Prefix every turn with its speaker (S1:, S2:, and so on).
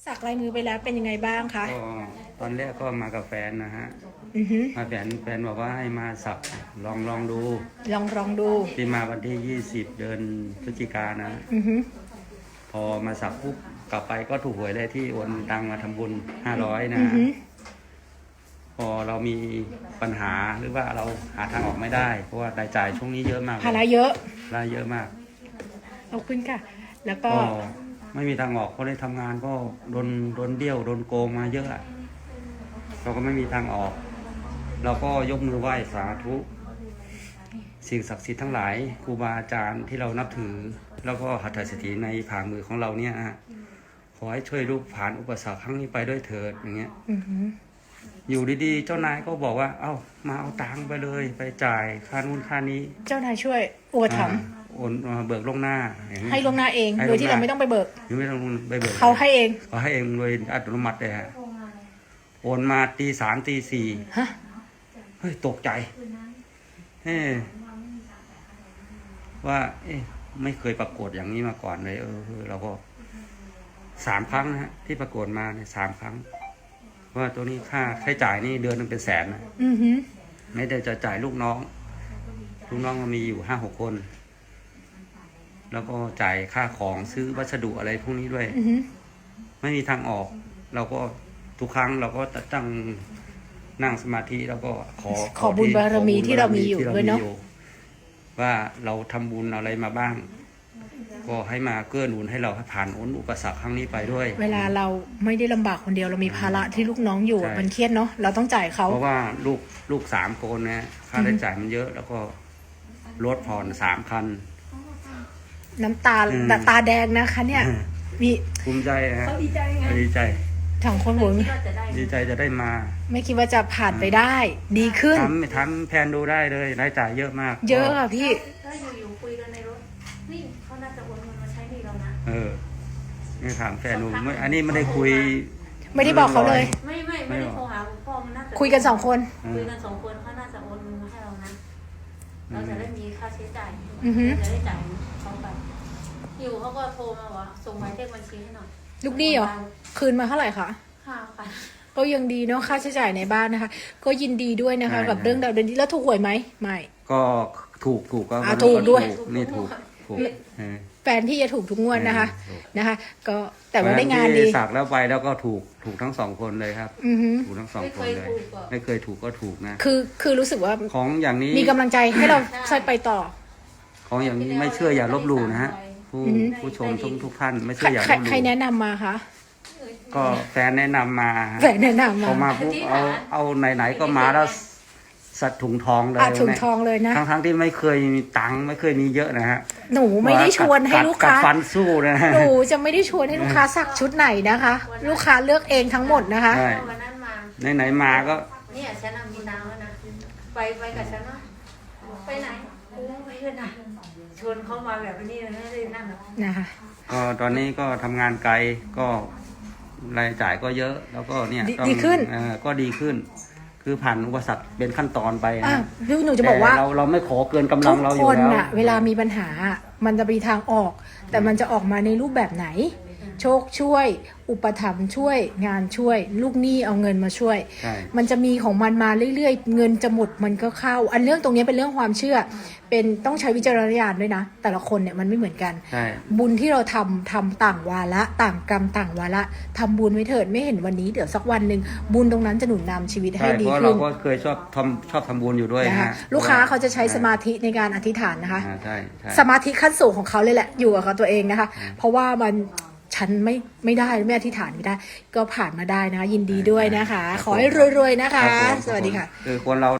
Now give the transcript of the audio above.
S1: สักลายมือไปแล้วเป็นยังไงบ้างคะ
S2: ก็ตอนแรกก็มากับแฟนนะฮะมาแฟนบอกว่าให้มาสักลองดู
S1: ลองดู
S2: ที่มาวันที่20 เดือนพฤศจิกายนนะพอมาสักปุ๊บกลับไปก็ถูกหวยเลยที่โอนตังมาทำบุญ500นะพอเรามีปัญหาหรือว่าเราหาทางออกไม่ได้เพราะว่ารายจ่ายช่วงนี้เยอะมาก
S1: ภาระเยอะ
S2: มาก
S1: ขอบคุณค่ะแล้วก็
S2: ไม่มีทางออกเพราะได้ทำงานก็โดนเบี้ยวโดนโกงมาเยอะเราก็ไม่มีทางออกเราก็ยกมือไหว้สาธุสิ่งศักดิ์สิทธิ์ทั้งหลายครูบาอาจารย์ที่เรานับถือแล้วก็หัตถสถิตในผ่ามือของเราเนี่ยขอให้ช่วยลูกผ่านอุปสรรคครั้งนี้ไปด้วยเถิดอย่างเงี้ยอยู่ดีๆเจ้านายก็บอกว่ามาเอาตังค์ไปเลยไปจ่ายค่านู่นค่านี้
S1: เจ้านายช่วยอุปถัมภ์
S2: โอนเบิกล่วงหน้า
S1: ให้ล่วงหน้าเองโดยที่เราไม่ต้องไปเบิก
S2: ไม่ต้องไปเบิก
S1: เขาให้เอง
S2: โดยอัตโนมัติเลยฮะโอนมาตี 3 ตี 4เฮ้ยตกใจว่าไม่เคยปรากฏอย่างนี้มาก่อนเลยเราก็3 ครั้งนะฮะที่ปรากฏมาเนี่ย3 ครั้งว่าตัวนี้ค่าใช้จ่ายนี่เดือนนึงเป็นแสนนะไม่ได้จะจ่ายลูกน้องมันมีอยู่5-6 คนแล้วก็จ่ายค่าของซื้อวัสดุอะไรพวกนี้ด้วยไม่มีทางออกเราก็ทุกครั้งเราก็ตั้งนั่งสมาธิแล้วก็ขอ
S1: บุญบารมีที่เรามีอยู่ด้วยเนาะ
S2: ว่าเราทำบุญอะไรมาบ้างก็ให้มาเกื้อหนุนให้เราผ่านอุปสรรคครั้งนี้ไปด้วย
S1: เวลาเราไม่ได้ลำบากคนเดียวเรามีภาระที่ลูกน้องอยู่มันเครียดเนาะเราต้องจ่ายเขา
S2: เพราะว่าลูก3 คนนะค่าใช้จ่ายมันเยอะแล้วก็รถผ่อน3 คัน
S1: น้ำตาแดงนะคะเนี่ยมี
S2: ภูมิใจฮะดีใจ
S1: ถังคนหัว
S2: ดีใจจะได้มา
S1: ไม่คิดว่าจะผ่านไปได้ดีขึ้น
S2: ทำแผนดูได้เลยรายจ่ายเยอะมาก
S1: เยอะค่ะพี่
S3: ถ้าอยู่คุยกันในรถนี่เขาน่าจะโอนเงินมาใช้หนี้เรานะ
S2: นี่ถามแฟนหนูอันนี้ไม่ได้คุย
S1: ไม่ได้บอกเขาเลย
S3: ไม่ได้โทรหาพ่อมันน่าจะ
S1: คุยกัน2 คน
S3: คุยกัน2 คนเขาน่าจะโอนเงินมาให้เรานะเราจะได้มีค่าใช้จ่ายจะได้จ่ายเขาไปอยู่เขาก็โทรมาว่าส่งหมายเลขบัญชีให้หน่อย
S1: ลูกหนี้เหรอคืนมาเท่าไหร่คะ
S3: 5,000
S1: ก็ยังดีเนาะค่าใช้จ่ายในบ้านนะคะก็ยินดีด้วยนะคะกับเรื่องดาวเดือนนี้แล้วถูกหวยไหมไม่
S2: ก็ถูกก็
S1: ถูกด้วย
S2: นี่ถูก
S1: แฟนที่จะถูกทุกงวดนะคะก็แต่ว่าได้งานดี
S2: สักแล้วไปแล้วก็ถูกทั้ง2 คนเลยครับถูกทั้ง2 คนเลยไม่เคยถูกก็ถูกนะ
S1: คือรู้สึกว่า
S2: ของอย่างนี้
S1: มีกำลังใจให้เราใช้ไปต่อ
S2: ของอย่างนี้ไม่เชื่ออย่าลบหลู่นะฮะผู้ชมทุกท่านไม่เชื่ออย่าลบหลู่
S1: ใครแนะนำมาคะ
S2: ก็แฟนแนะนำมาพอมาปุ๊บเอาไหนๆก็มาแล้วสัตว์ถุงทองเลย
S1: ถุงทองเลยนะ
S2: ทั้งที่ไม่เคยมีตังค์ไม่เคยมีเยอะนะฮะ
S1: หนูไม่ได้ชวนให้ลูกค้า
S2: ฟันสู้นะ
S1: หนูจะไม่ได้ชวนให้ลูกค้าสักชุดไหนนะคะลูกค้าเลือกเองทั้งหมดนะคะ
S2: ไหนมาก็
S3: เนี่ยฉันมีน้ำแล้วนะไปกับฉันนะไปไหนไปเพื่อนนะชวนเขามาแบบนี้ไม่ได้นั่นหรอก
S1: นะคะ
S2: ก็ตอนนี้ก็ทำงานไกลก็รายจ่ายก็เยอะแล้วก็เนี่ย
S1: ดีขึ้น
S2: ก็ดีขึ้นคือผ่านอุปสรรคเป็นขั้นตอนไป
S1: พี่หนูจะบอกว่า
S2: เราไม่ขอเกินกำลังเราอยู่แล้ว
S1: ทุกคนเวลามีปัญหามันจะมีทางออกแต่มันจะออกมาในรูปแบบไหนโชคช่วยอุปถัมภ์ช่วยงานช่วยลูกหนี้เอาเงินมาช่วยมันจะมีของมันมาเรื่อยๆเงินจะหมดมันก็เข้าอันเรื่องตรงนี้เป็นเรื่องความเชื่อเป็นต้องใช้วิจารณญาณด้วยนะแต่ละคนเนี่ยมันไม่เหมือนกันบุญที่เราทำต่างวาระต่างกรรมต่างวาระทำบุญไว้เถิดไม่เห็นวันนี้เดี๋ยวสักวันหนึ่งบุญตรงนั้นจะหนุนนำชีวิตให้ดีขึ้น
S2: เราก็เคยชอบทำบุญอยู่ด้วยนะ
S1: ลูกค้าเขาจะใช้สมาธิในการอธิษฐานนะคะสมาธิขั้นสูงของเขาเลยแหละอยู่กับเขาตัวเองนะคะเพราะว่ามันฉันไม่ได้ไม่อธิษฐานไม่ได้ก็ผ่านมาได้นะคะยินดีด้วยนะคะขอให้รวยๆนะคะสวัสดีค่ะ
S2: คือคนเรา